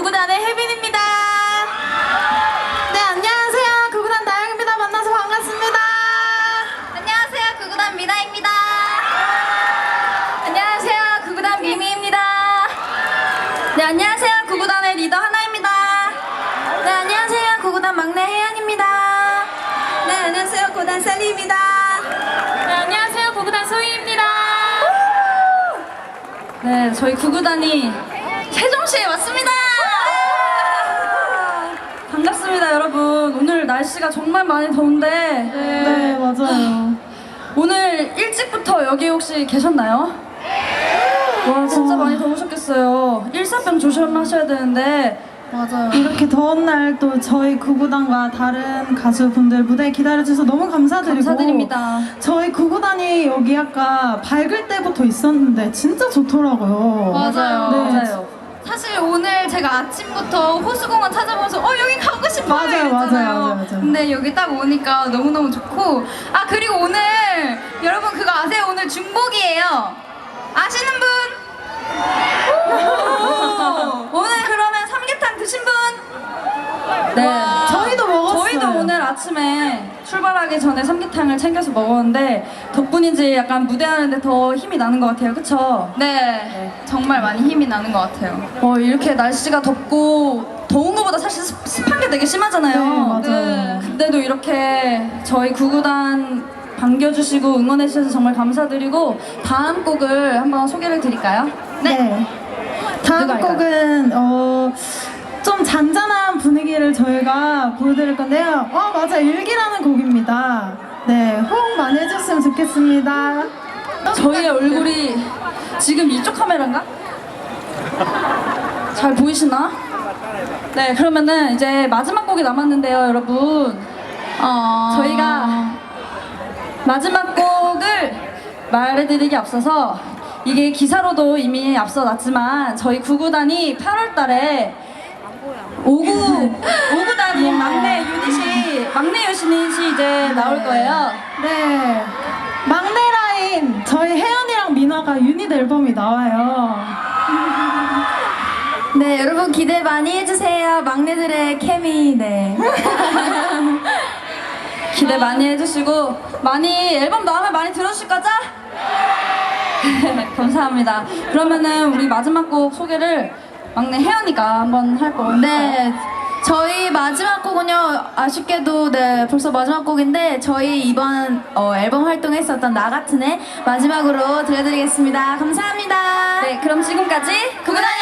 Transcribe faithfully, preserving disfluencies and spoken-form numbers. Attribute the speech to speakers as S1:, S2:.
S1: 구구단의 혜빈입니다. 네, 안녕하세요. 구구단 나영입니다. 만나서 반갑습니다. 안녕하세요. 구구단 미나입니다. 안녕하세요. 구구단 미미입니다. 네, 안녕하세요. 구구단의 리더 하나입니다. 네, 안녕하세요. 구구단 막내 혜연입니다. 네, 안녕하세요. 구구단 셀리입니다. 네, 안녕하세요. 구구단 소희입니다. 네, 저희 구구단이 세종시에 왔습니다. 반갑습니다, 여러분. 오늘 날씨가 정말 많이 더운데
S2: 네, 네 맞아요.
S1: 오늘 일찍부터 여기 혹시 계셨나요? 와, 진짜 많이 더우셨겠어요. 일사병 조심하셔야 되는데.
S2: 맞아요. 이렇게 더운 날 또 저희 구구단과 다른 가수분들 무대 기다려주셔서 너무 감사드리고
S1: 감사드립니다.
S2: 저희 구구단이 여기 아까 밝을 때부터 있었는데 진짜 좋더라고요.
S1: 맞아요.
S2: 네.
S1: 맞아요. 사실 오늘 제가 아침부터 호수공원 찾아보면서 어 여기 가고 싶어요
S2: 맞아요,
S1: 이랬잖아요.
S2: 맞아요, 맞아요, 맞아요.
S1: 근데 여기 딱 오니까 너무너무 좋고, 아 그리고 오늘 여러분 그거 아세요? 오늘 중복이에요. 아시는 분? 오늘 그러면 삼계탕 드신 분? 네.
S2: 와, 저희도 먹었어요.
S1: 저희도 오늘 아침에 출발하기 전에 삼계탕을 챙겨서 먹었는데 덕분인지 약간 무대하는데 더 힘이 나는 것 같아요. 그쵸? 네. 정말 많이 힘이 나는 것 같아요. 어, 이렇게 날씨가 덥고 더운 것보다 사실 습, 습한 게 되게 심하잖아요.
S2: 네, 맞아요.
S1: 근데도 이렇게 저희 구구단 반겨주시고 응원해주셔서 정말 감사드리고, 다음 곡을 한번 소개를 드릴까요?
S2: 네. 다음
S1: 누가 할까요?
S2: 곡은 어, 좀 잔잔한 분위기를 저희가 보여드릴 건데요. 어 맞아, 일기라는 곡입니다. 네, 호응 많이 해줬으면 좋겠습니다.
S1: 저희의 얼굴이 지금 이쪽 카메라인가? 잘 보이시나? 네, 그러면은 이제 마지막 곡이 남았는데요, 여러분. 어, 저희가 마지막 곡을 말해드리기 앞서서, 이게 기사로도 이미 앞서 났지만 저희 구구단이 팔월 달에 오구 오구단인 막내 유닛이 막내 유닛이 이제 나올 거예요.
S2: 네, 막내 라인 저희 혜연이랑 민아가 유닛 앨범이 나와요.
S1: 네, 여러분 기대 많이 해주세요. 막내들의 케미. 네. 기대 많이 해주시고 많이 앨범 나오면 많이 들어주실 거죠? 감사합니다. 그러면은 우리 마지막 곡 소개를 막내 혜연이가 한번 할 거예요.
S3: 네, 저희 마지막 곡은요, 아쉽게도 네 벌써 마지막 곡인데 저희 이번 어, 앨범 활동했었던 나 같은 애 마지막으로 들려드리겠습니다. 감사합니다.
S1: 네, 그럼 지금까지 구구단이었습니다.